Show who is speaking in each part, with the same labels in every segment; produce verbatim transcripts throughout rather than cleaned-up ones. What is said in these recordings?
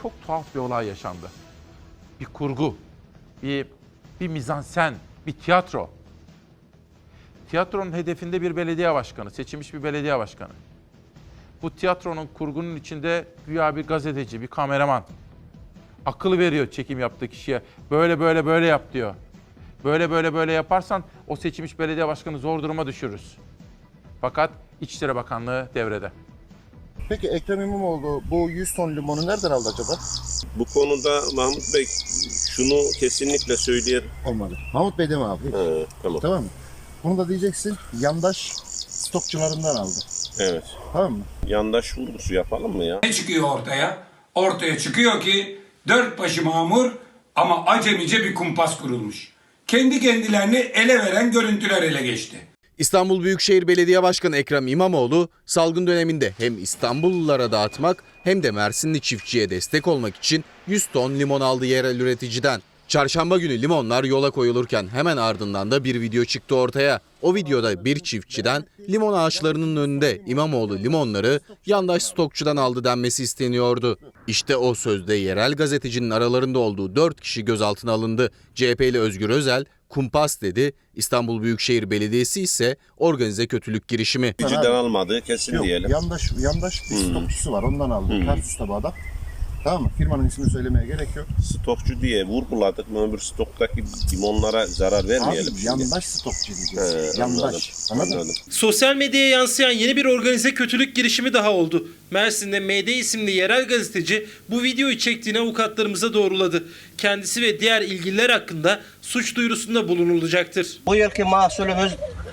Speaker 1: çok tuhaf bir olay yaşandı. Bir kurgu, bir, bir mizansen, bir tiyatro. Tiyatronun hedefinde bir belediye başkanı, seçilmiş bir belediye başkanı. Bu tiyatronun kurgunun içinde güya bir gazeteci, bir kameraman. Akıl veriyor çekim yaptığı kişiye. Böyle böyle böyle yap diyor. Böyle böyle böyle yaparsan o seçilmiş belediye başkanı zor duruma düşürürüz. Fakat İçişleri Bakanlığı devrede.
Speaker 2: Peki Ekrem İmamoğlu bu yüz ton limonu nereden aldı acaba?
Speaker 3: Bu konuda Mahmut Bey şunu kesinlikle söyleyelim.
Speaker 2: Olmadı. Mahmut Bey deme abi.
Speaker 3: He, tamam.
Speaker 2: Tamam mı? Bunu da diyeceksin yandaş stokçularından aldı.
Speaker 3: Evet.
Speaker 2: Tamam mı?
Speaker 3: Yandaş vurgusu yapalım mı ya?
Speaker 4: Ne çıkıyor ortaya? Ortaya çıkıyor ki dört başı mamur ama acemice bir kumpas kurulmuş. Kendi kendilerini ele veren görüntüler ele geçti.
Speaker 5: İstanbul Büyükşehir Belediye Başkanı Ekrem İmamoğlu salgın döneminde hem İstanbullulara dağıtmak hem de Mersinli çiftçiye destek olmak için yüz ton limon aldı yerel üreticiden. Çarşamba günü limonlar yola koyulurken hemen ardından da bir video çıktı ortaya. O videoda bir çiftçiden limon ağaçlarının önünde İmamoğlu limonları yandaş stokçudan aldı denmesi isteniyordu. İşte o sözde yerel gazetecinin aralarında olduğu dört kişi gözaltına alındı. C H P'li Özgür Özel kumpas dedi. İstanbul Büyükşehir Belediyesi ise organize kötülük girişimi.
Speaker 3: Üreticiden almadığı kesin
Speaker 2: Yok,
Speaker 3: diyelim.
Speaker 2: yandaş, yandaş bir
Speaker 3: Hmm.
Speaker 2: stokçusu var ondan aldı.
Speaker 3: Hmm.
Speaker 2: Tarsus'ta bu adam. Tamam mı? Firmanın ismini söylemeye gerek yok.
Speaker 3: Stokçu diye vurguladık mı öbür stoktaki limonlara zarar vermeyelim.
Speaker 2: Abi
Speaker 3: şimdi.
Speaker 2: yandaş stokçu diyeceğiz.
Speaker 3: He,
Speaker 2: yandaş.
Speaker 3: anladım,
Speaker 2: Anladın mı?
Speaker 3: anladım.
Speaker 6: Sosyal medyaya yansıyan yeni bir organize kötülük girişimi daha oldu. Mersin'de M D isimli yerel gazeteci bu videoyu çektiğini avukatlarımıza doğruladı. Kendisi ve diğer ilgililer hakkında suç duyurusunda bulunulacaktır.
Speaker 7: Bu yılki mahsulümüz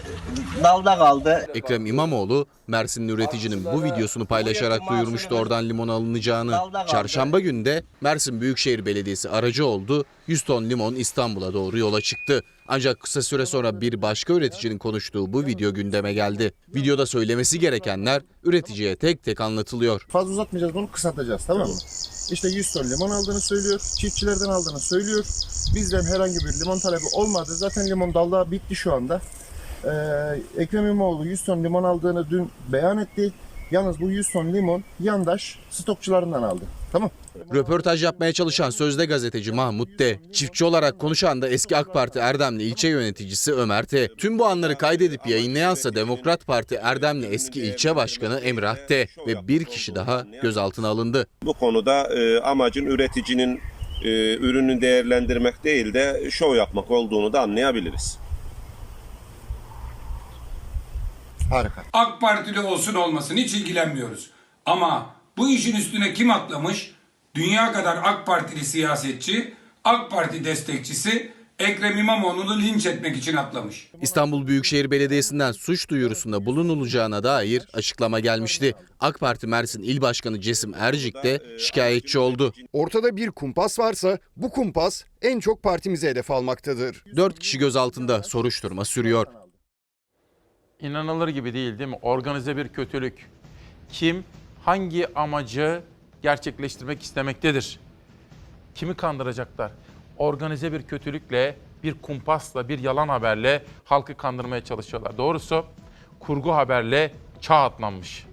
Speaker 7: dalda kaldı.
Speaker 5: Ekrem İmamoğlu, Mersinli üreticinin bu videosunu paylaşarak duyurmuştu oradan limon alınacağını. Çarşamba günü de Mersin Büyükşehir Belediyesi aracı oldu, yüz ton limon İstanbul'a doğru yola çıktı. Ancak kısa süre sonra bir başka üreticinin konuştuğu bu video gündeme geldi. Videoda söylemesi gerekenler üreticiye tek tek anlatılıyor.
Speaker 2: Fazla uzatmayacağız, bunu kısaltacağız, tamam mı? İşte yüz ton limon aldığını söylüyor, çiftçilerden aldığını söylüyor. Bizden herhangi bir limon talebi olmadı. Zaten limon dalda bitti şu anda. Ee, Ekrem İmamoğlu yüz ton limon aldığını dün beyan etti. Yalnız bu yüz ton limon yandaş stokçularından aldı. Tamam.
Speaker 5: Röportaj yapmaya çalışan sözde gazeteci Mahmut D. Çiftçi olarak konuşan da eski AK Parti Erdemli ilçe yöneticisi Ömer T. Tüm bu anları kaydedip yayınlayansa Demokrat Parti Erdemli eski ilçe başkanı Emrah T. Ve bir kişi daha gözaltına alındı.
Speaker 3: Bu konuda e, amacın üreticinin e, ürünü değerlendirmek değil de şov yapmak olduğunu da anlayabiliriz.
Speaker 2: Harika.
Speaker 4: AK Partili olsun olmasın hiç ilgilenmiyoruz. Ama bu işin üstüne kim atlamış? Dünya kadar AK Partili siyasetçi, AK Parti destekçisi Ekrem İmamoğlu'nu linç etmek için atlamış.
Speaker 5: İstanbul Büyükşehir Belediyesi'nden suç duyurusunda bulunulacağına dair açıklama gelmişti. AK Parti Mersin İl Başkanı Cesim Ercik de şikayetçi oldu.
Speaker 8: Ortada bir kumpas varsa bu kumpas en çok partimize hedef almaktadır.
Speaker 5: Dört kişi gözaltında, soruşturma sürüyor.
Speaker 1: İnanılır gibi değil değil mi? Organize bir kötülük. Kim hangi amacı gerçekleştirmek istemektedir? Kimi kandıracaklar? Organize bir kötülükle, bir kumpasla, bir yalan haberle halkı kandırmaya çalışıyorlar. Doğrusu kurgu haberle çağ atlanmış.